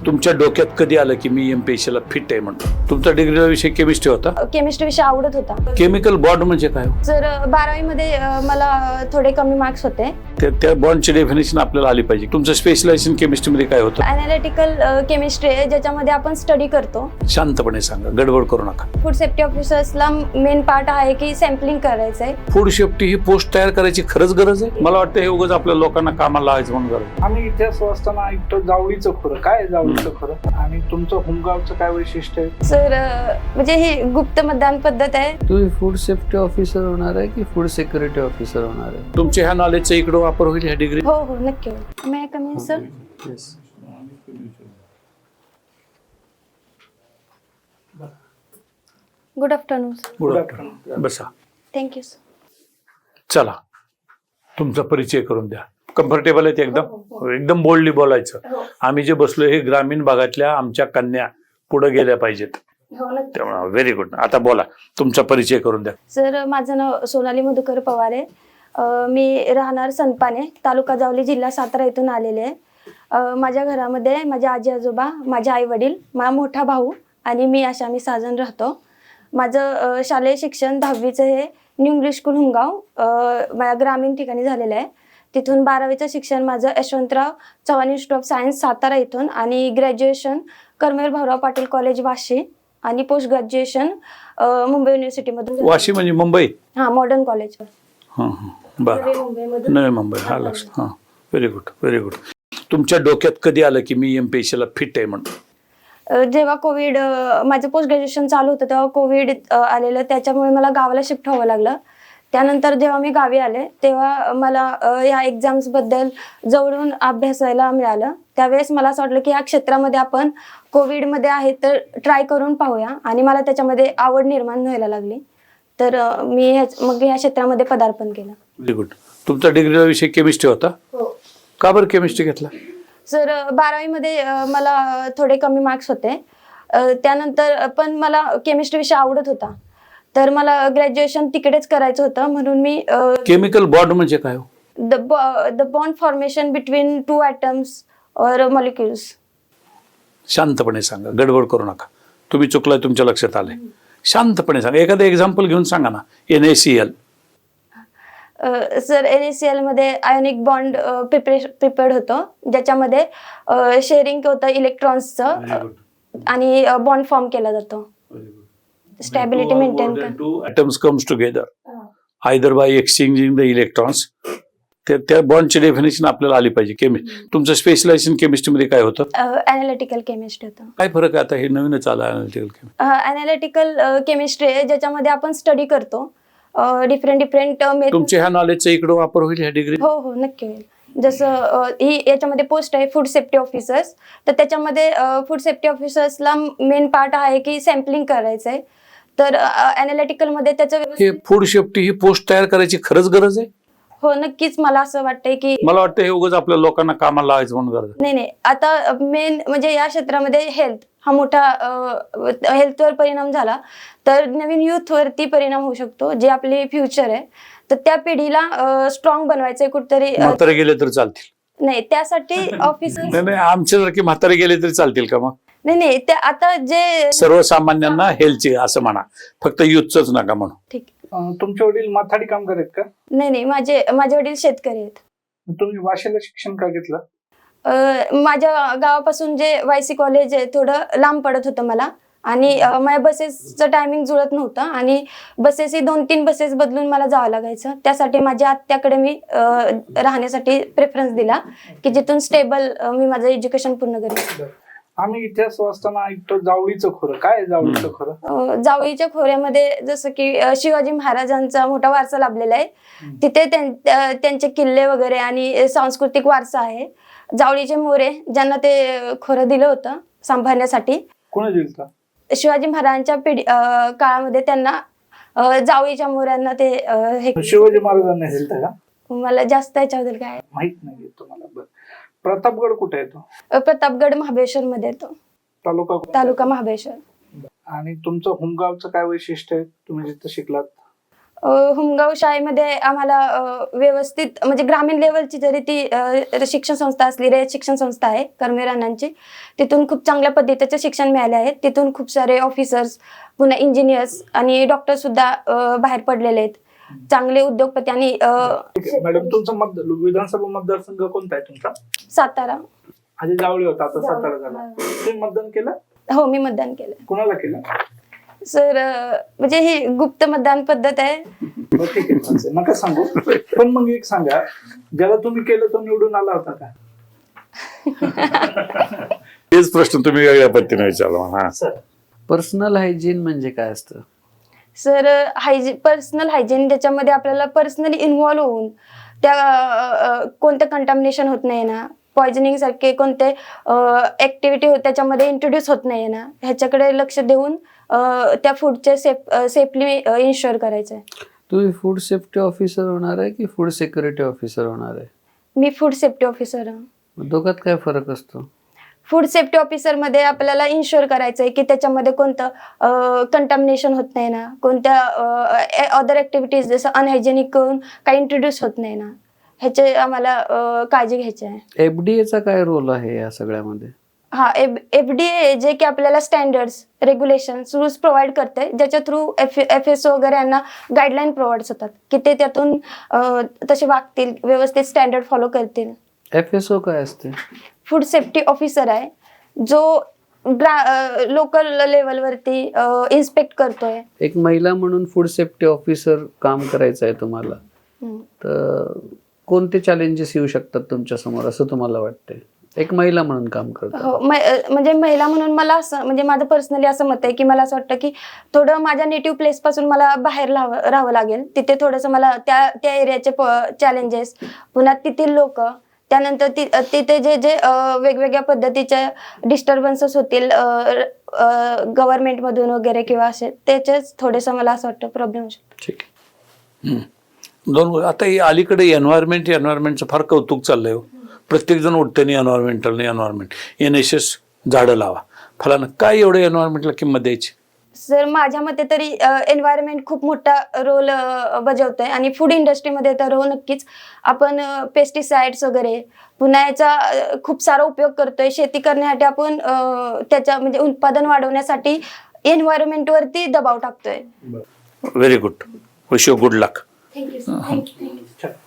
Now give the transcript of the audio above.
तुमच्या डोक्यात कधी आलं की मी एमपीएससीला फिट आहे म्हणतो? तुमचा डिग्रीचा विषय केमिस्ट्री होता. केमिस्ट्री विषय आवडत होता. केमिकल बॉन्ड म्हणजे काय? जर 12वी मध्ये मला थोडे कमी मार्क्स होते. त्या बॉन्डची डेफिनेशन आपल्याला आली पाहिजे. तुमचं स्पेशलायझेशन केमिस्ट्री मध्ये काय होतं? अनालिटिकल केमिस्ट्री आहे ज्याच्यामध्ये आपण स्टडी करतो. शांतपणे सांगा, गडबड करू नका. फूड सेफ्टी ऑफिसर्सला मेन पार्ट आहे की सॅम्पलिंग करायचंय. फूड सेफ्टी ही पोस्ट तयार करायची खरंच गरज आहे? मला वाटतं हे उगाच आपल्या लोकांना कामाला लावायचं म्हणून गरज. आम्ही इतिहास वाचताना ऐकतो जावळीचं खोरं. काय जावळीचं खोरं आणि तुमचं होमगावचं काय वैशिष्ट्य आहे? सर म्हणजे ही गुप्त मतदान पद्धत आहे. तुम्ही फूड सेफ्टी ऑफिसर होणार आहे की फूड सिक्युरिटी ऑफिसर होणार आहे? तुमच्या ह्या नॉलेजचा इकडे वापर होईल ह्या डिग्री? हो हो नक्की होईल. May come in sir? Yes. Good afternoon. Good afternoon. बसा. Thank you sir. चला, तुमचा परिचय करून द्या. कम्फर्टेबल आहेत एकदम? एकदम बोल्डली बोलायचं. आम्ही जे बसलो हे ग्रामीण भागातल्या आमच्या कन्या पुढे गेल्या पाहिजेत. त्यामुळे व्हेरी गुड. आता बोला, तुमचा परिचय करून द्या. सर माझं नाव सोनाली मधुकर पवार आहे. मी राहणार सनपाने, तालुका जावली, जिल्हा सातारा इथून आलेले आहे. माझ्या घरामध्ये माझे आजी आजोबा, माझे आई वडील, माझा मोठा भाऊ आणि मी अशा आम्ही 6 जण राहतो. माझं शालेय शिक्षण 10वीचं हे न्यू इंग्लिश स्कूल हुंगाव माझ्या ग्रामीण ठिकाणी झालेलं आहे. तिथून 12वीचं शिक्षण माझं Yashwantrao Chavan institute of science Satara इथून आणि ग्रॅज्युएशन कर्मवीर भाऊराव पाटील कॉलेज वाशी आणि पोस्ट ग्रॅज्युएशन मुंबई युनिव्हर्सिटीमधून. वाशी म्हणजे मुंबई? हां, मॉडर्न कॉलेज. हां हां, बरं. मुंबईमधून. नवी मुंबई. हा, लक्ष. हां, व्हेरी गुड, व्हेरी गुड. तुमच्या डोक्यात कधी आलं की मी एमपीएससीला फिट आहे म्हणतो? जेव्हा कोविड माझं पोस्ट ग्रॅज्युएशन चालू होतं तेव्हा कोविड आलेलं, त्याच्यामुळे मला गावाला शिफ्ट व्हावं लागलं. त्यानंतर जेव्हा मी गावी आले तेव्हा मला या एक्झाम्सबद्दल जवळून अभ्यासायला मिळालं. त्यावेळेस मला असं वाटलं की या क्षेत्रामध्ये आपण कोविडमध्ये आहे तर ट्राय करून पाहूया आणि मला त्याच्यामध्ये आवड निर्माण व्हायला लागली. तर मी मग या क्षेत्रामध्ये पदार्पण केलं. Very good. तुमचा डिग्रीचा विषय केमिस्ट्री होता? हो. का बरं केमिस्ट्री घेतला? सर 12वी मध्ये मला थोडे कमी मार्क्स होते. त्यानंतर पण मला केमिस्ट्री विषय आवडत होता. तर मला ग्रॅज्युएशन तिकडेच करायचं होतं म्हणून मी केमिकल बॉन्ड म्हणजे काय? The bond formation between 2 atoms और मॉलिक्युल्स. शांतपणे सांगा, गडबड करू नका. तुम्ही चुकलाय, तुमच्या लक्षात आलंय. शांतपणे सांगा. एखादं एक्झाम्पल घेऊन सांगा ना. NaCl. सर NaCl मध्ये आयोनिक बॉन्ड प्रिपेअर्ड होतं ज्याच्यामध्ये शेअरिंग होतं इलेक्ट्रॉन्सचं आणि बॉन्ड फॉर्म केला जातो. स्टॅबिलिटी मेंटेन कर. 2 atoms comes together either by exchanging the electrons. त्या बॉन्डची डेफिनेशन आपल्याला आली पाहिजे. तुमचं स्पेशलायझेशन केमिस्ट्री मध्ये काय होतं? अनालिटिकल केमिस्ट्री होतं. काय फरक आहे आता? हे नवीनच आलं अनालिटिकल केमिस्ट्री. अनालिटिकल केमिस्ट्री आहे ज्याच्यामध्ये आपण स्टडी करतो डिफरंट तुमच्या ह्या नॉलेजचा इकडे वापर होईल ह्या डिग्री? हो हो नक्की होईल. जसं ही याच्यामध्ये पोस्ट आहे फूड सेफ्टी ऑफिसर्स, तर त्याच्यामध्ये फूड सेफ्टी ऑफिसर्सला मेन पार्ट आहे की सॅम्पलिंग करायचंय. तर अनालिटिकल मध्ये त्याचं हे फूड सेफ्टी ही पोस्ट तयार करायची खरंच गरज आहे? हो नक्कीच. मला असं वाटतंय की मला वाटतं हे उगाच आपल्या लोकांना कामाला लावायचं म्हणून गरज. नाही, आता मेन म्हणजे या क्षेत्रामध्ये हेल्थ हा मोठा हेल्थवर परिणाम झाला तर नवीन युथ वरती परिणाम होऊ शकतो, जे आपली फ्युचर आहे. तर त्या पिढीला स्ट्रॉंग बनवायचंय कुठतरी. म्हातारे गेले तर चालतील? नाही, त्यासाठी ऑफिसर्स. नाही, आमच्यासारखे म्हातारे गेले तरी चालतील का? मग नाही ते आता जे सर्वसामान्यांना हेल्थची असं म्हणा, फक्त युथच नका म्हणू. ठीक. तुमचे वडील माथाडी कामगार आहेत का? नाही, माझे वडील शेतकरी आहेत. तुम्ही वाशीला शिक्षण का घेतलं? माझ्या गावापासून जे YC कॉलेज आहे थोडं लांब पडत होतं मला आणि माझ्या बसेसचं टायमिंग जुळत नव्हतं आणि बसेसही 2-3 बसेस बदलून मला जावं लागायचं. त्यासाठी माझ्या आत्याकडे मी राहण्यासाठी प्रेफरन्स दिला की जिथून स्टेबल मी माझं एज्युकेशन पूर्ण करेन. आम्ही इतिहास वाचताना ऐकतो जावळीचं खोरं. काय जावळीचं खोरं? जावळीच्या खोऱ्यामध्ये जसं की शिवाजी महाराजांचा मोठा वारसा लाभलेला आहे. तिथे त्यांचे किल्ले वगैरे आणि सांस्कृतिक वारसा आहे. जावळीचे मोरे ज्यांना ते खोरं दिलं होतं सांभाळण्यासाठी. कोणी दिलं? शिवाजी महाराजांच्या काळामध्ये त्यांना जावळीच्या मोऱ्यांना ते हे. शिवाजी महाराजांना दिलं का? मला जास्त याच्याबद्दल काय माहित नाही तुम्हाला. बरं, प्रतापगड कुठे येतो? प्रतापगड महाबळेश्वर मध्ये येतो. तालुका महाबळेश्वर. आणि तुमचं होमगावचं काय वैशिष्ट्य आहे तुम्ही जिथं शिकलात? हुमगाव शाळेमध्ये आम्हाला व्यवस्थित म्हणजे ग्रामीण लेवलची जरी ती शिक्षण संस्था असली, रयत शिक्षण संस्था आहे कर्मवीर अण्णांची, तिथून खूप चांगल्या पद्धतीचे शिक्षण मिळाले आहे. तिथून खूप सारे ऑफिसर्स, पुन्हा इंजिनियर्स आणि डॉक्टर सुद्धा बाहेर पडलेले आहेत. चांगले उद्योगपती आणि ठीक आहे. मॅडम, तुमचा विधानसभा मतदारसंघ कोणता आहे तुमचा? सातारा. आधी जावळी होता, आता सातारा झाला. तुम्ही मतदान केलं? हो, मी मतदान केलं. कुणाला केलं? सर म्हणजे ही गुप्त मतदान पद्धत आहे. हो, ठीक आहे, चालतंय. नका सांगू. पण मग एक सांगा, ज्याला तुम्ही केलं तो निवडून आला होता का? तेच प्रश्न तुम्ही वेगळ्या पद्धतीने विचारला. हा सर, पर्सनल हायजीन म्हणजे काय असतं? सर पर्सनल हायजीन, ज्याच्यामध्ये आपल्याला पर्सनली इन्व्हॉल्व्ह होऊन त्या कोणतं कंटामिनेशन होत नाही ना, पॉयझनिंग सारखे कोणते ऍक्टिव्हिटी त्याच्यामध्ये इंट्रोड्यूस होत नाही ना, ह्याच्याकडे लक्ष देऊन त्या फूडचे सेफली इन्शुअर करायचं आहे. तुम्ही फूड सेफ्टी ऑफिसर होणार आहे की फूड सिक्युरिटी ऑफिसर होणार आहे? मी फूड सेफ्टी ऑफिसर आहे. दोघात काय फरक असतो? फूड सेफ्टी ऑफिसर मध्ये आपल्याला इन्शुअर करायचं आहे की त्याच्यामध्ये कोणतं कंटामिनेशन होत नाही ना, कोणत्या अदर ऍक्टिव्हिटीज जसं अनहायजेनिक करून काही इंट्रोड्यूस होत नाही ना, ह्याचे आम्हाला काळजी घ्यायची आहे. FDA चा काय रोल आहे या सगळ्यामध्ये? हा, FDA जे की आपल्याला स्टँडर्ड्स, रेग्युलेशन्स, रूल्स प्रोव्हाइड करते, ज्याच्या थ्रू FSO वगैरे यांना गाईडलाईन प्रोव्हाइड होतात की ते त्यातून तसे वागतील, व्यवस्थित स्टँडर्ड फॉलो करतील. FSO काय असते? फूड सेफ्टी ऑफिसर आहे, जो लोकल लेवलवरती इन्स्पेक्ट करतोय. एक महिला म्हणून फूड सेफ्टी ऑफिसर काम करायचं आहे तुम्हाला, तर कोणते चॅलेंजेस येऊ शकतात तुमच्या समोर असं तुम्हाला वाटते एक महिला म्हणून काम करतात? हो, म्हणजे महिला म्हणून मला असं, म्हणजे माझं पर्सनली असं मत आहे की मला असं वाटतं की थोडं माझ्या नेटिव्ह प्लेस पासून मला बाहेर राहावं लागेल. तिथे थोडंसं मला त्या एरियाचे चॅलेंजेस, पुन्हा तेथील लोक, त्यानंतर तिथे जे जे वेगवेगळ्या पद्धतीचे डिस्टर्बन्सेस होतील गव्हर्नमेंटमधून वगैरे किंवा असे, त्याचेच थोडेसं मला असं वाटतं प्रॉब्लेम होऊ शकतो. ठीक. दोन आता ही अलीकडे एन्व्हायरमेंटचं फार कौतुक चाललंय. प्रत्येक जण उठते एन्व्हायरमेंट NSS झाडं लावा फलानं. काय एवढं एन्व्हायरमेंटला किंमत द्यायची? सर, माझ्या मते तरी एन्व्हायरमेंट खूप मोठा रोल बजावतोय आणि फूड इंडस्ट्रीमध्ये तर हो नक्कीच. आपण पेस्टिसाइड्स वगैरे, पुन्हा याचा खूप सारा उपयोग करतोय शेती करण्यासाठी. आपण त्याच्या म्हणजे उत्पादन वाढवण्यासाठी एन्व्हायरमेंटवरती दबाव टाकतोय. Very good. Wish you good luck. Thank you.